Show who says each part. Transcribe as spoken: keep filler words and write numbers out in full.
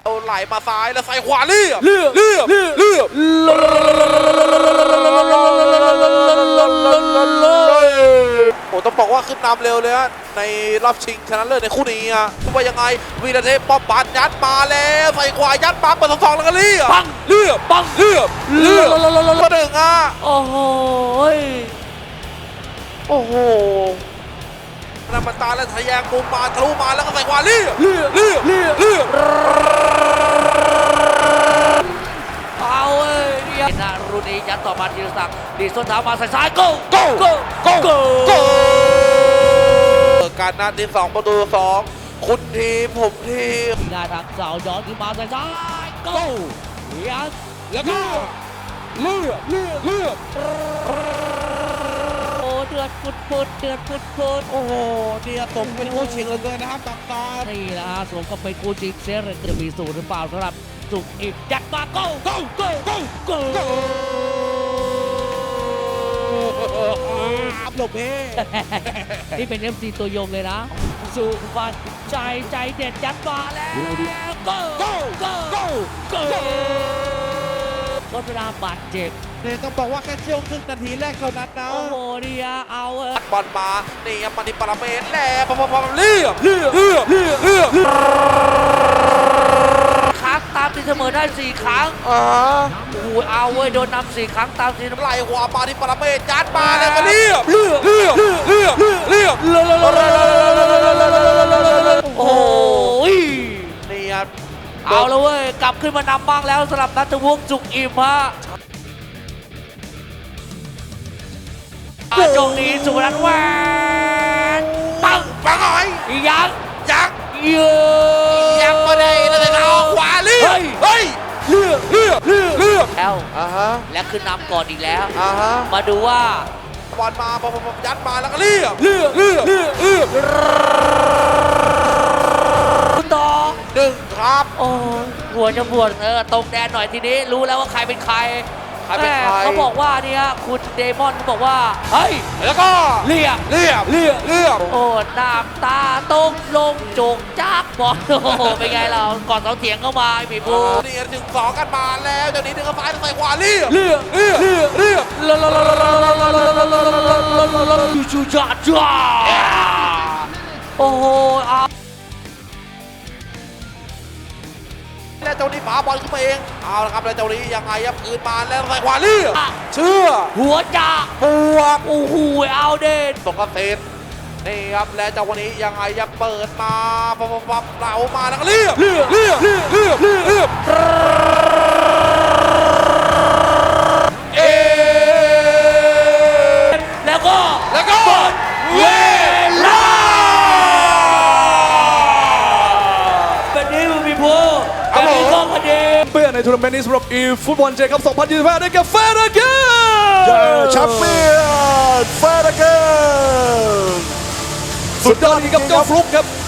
Speaker 1: เอาไหลมาซ้ายแล้วใส่ขวาเรียบ
Speaker 2: เลือก
Speaker 1: เรียบ
Speaker 2: เลือก
Speaker 1: เรียบโอ้ต้องบอกว่าขึ้นนำเร็วเลยฮะในรอบชิงชนะเลิศในคู่นี้อ่ะทุกว่ายังไงวีรเทพป้อมปานยัดมาแล้วใส่ขวายัดมาเปิดสองสองแล้วก็เรียบ
Speaker 2: ปัง
Speaker 1: เรียบ
Speaker 2: ปัง
Speaker 1: เรียบเรียบก็หนึ่งอ่ะ
Speaker 2: โอ้โห
Speaker 1: โอ้โหนามันตาแล้วทะแยงมุมมาทะลุมาแล้วก็ใส่ขวาเรียบ
Speaker 2: เลือก
Speaker 1: เรียบ
Speaker 2: เลือก
Speaker 1: เรียบ
Speaker 2: เอาเอ้ยเนี่ยนารุณียัดต่อมาธีรศักดิ์ดีส้นเท้ามาใส่ซ้ายโก้
Speaker 1: โก้
Speaker 2: โก้
Speaker 1: โก้
Speaker 2: โก้
Speaker 1: โก้การนัดที่สองประตูสองคุณทีมผมทีม
Speaker 2: หน้าทางเสาย้อนขึ้นมาใส่ซ้ายโก้ยัด
Speaker 1: แล้วก็เลือกเลือกเลือก
Speaker 2: โอ้เดือดปุดปุดเดือดปุดปุด
Speaker 1: โอ้โหเนี่ยตกเป็นคู่ชิงเหลือเกินนะครับตับตา
Speaker 2: นี่แหละฮะสวมกับเป็นกูจิกเซเรนจะมีสูตรหรือเปล่าสำหรับสุกอิบยัดมาโก้โก้โก้โก้โก้
Speaker 1: อัพหลบเพ่
Speaker 2: นี่เป็น เอฟ ซี ตัวยงเลยนะสุฟันใจใจเด็ดยัดมาแล้วโก้โก้โก้โก้โก้ก็เวลาบาดเจ็บ
Speaker 1: เนี่ยต้องบอกว่าแค่ช่วงครึ่งนาทีแรกเท่านั้นนะ
Speaker 2: โอ้โหเนี่ยเอาเออบ
Speaker 1: อลมานี่ครับมาที่ปาราเมตแล้วพอพอพอเรียบเรียบเรียบเรียบเรียบ
Speaker 2: ครั้งตามตีเสมอได้สี่ครั้ง
Speaker 1: อ่า
Speaker 2: โอ้โหเอาเว้ยโดนนำสี่ครั้งตามตีเสมอ
Speaker 1: ไหลหัวมาที่ปาราเมตยัดมาแล้วก็เรียบเรียบเรียบเรียบเรียบ
Speaker 2: โอ้ย
Speaker 1: นี่ครับ
Speaker 2: เอาแล้วเว้ยกลับขึ้นมานำบ้างแล้วสำหรับนัทวงศ์จุกอิ่มฮะจงนี้สุรัตน์แหวนปัง
Speaker 1: ปังหน่อย
Speaker 2: ยัง
Speaker 1: ยัก
Speaker 2: เยอะ
Speaker 1: ยักมาได้แล้วจะเอาขวาเรียบเฮ้ยเรียบเรียบเรียบเรียบ
Speaker 2: แล้ว
Speaker 1: อ่าฮะ
Speaker 2: และขึ้นนำก่อนอีกแล้ว
Speaker 1: อ่าฮะ
Speaker 2: มาดูว่า
Speaker 1: บอลมาพอพอยัดมาแล้วก็เรียบเรียบเรียบเรียบเรียบ
Speaker 2: คุณต่อ
Speaker 1: หนึ่งครับ
Speaker 2: โอ้ยหัวจะปวดเออตรงแดนหน่อยทีนี้รู้แล้วว่าใครเป็นใคร
Speaker 1: ใครเป็นใคร
Speaker 2: แม่เขาบอกว่าเนี่ยคุณเดมอนเขาบอกว่าเฮ้ย
Speaker 1: แล้วก็
Speaker 2: เรียบ
Speaker 1: เรียบเรียบเรียบ
Speaker 2: โอ้น้ำตาตกลงโจกจากบอลโอ้โหเป็นไงเราก่อนเสาเถียงเข้ามาไอ้ผีบู
Speaker 1: นี่ถึงสองกันมาแล้วเจ้านี้ถึงซ้ายใส่ขวาเรียบเรียบเรียบเรียบเรียบ
Speaker 2: ชูจ้าจ้าโอ้โหเอา
Speaker 1: แล้วเจ้านี้หมาบอลขึ้นมาเองเอาละครับแล้วเจ้านี้ยังไงครับคืนมาแล้วใส่ขวาเรียบเชื่อ
Speaker 2: หัวจ่า
Speaker 1: บวก
Speaker 2: โอ้โหเอาเด่น
Speaker 1: ตกกระเซ็นนี่ครับและเจ้าวันนี้ยังไงยังเปิดมาปั๊บปั๊บปั๊บเหลามาแล้วก็เรียบเรียบเรียบเรียบเรียบเรียบเรียบเอ
Speaker 2: แล้วก็
Speaker 1: แล้วก็เวลา
Speaker 2: เป็นนี้มึงมีพูเป็นนี้ก็พอดี
Speaker 3: เปี้ยนในทัวร์นาเมนต์นี้สำหรับอีฟุตบอลเจครับสองพันยี่สิบห้าได้แก่เฟเดเกน
Speaker 4: แชมเปี้ยนเฟเดเกน
Speaker 3: สุดยอดจริงครับเจ้าฟลุกครับ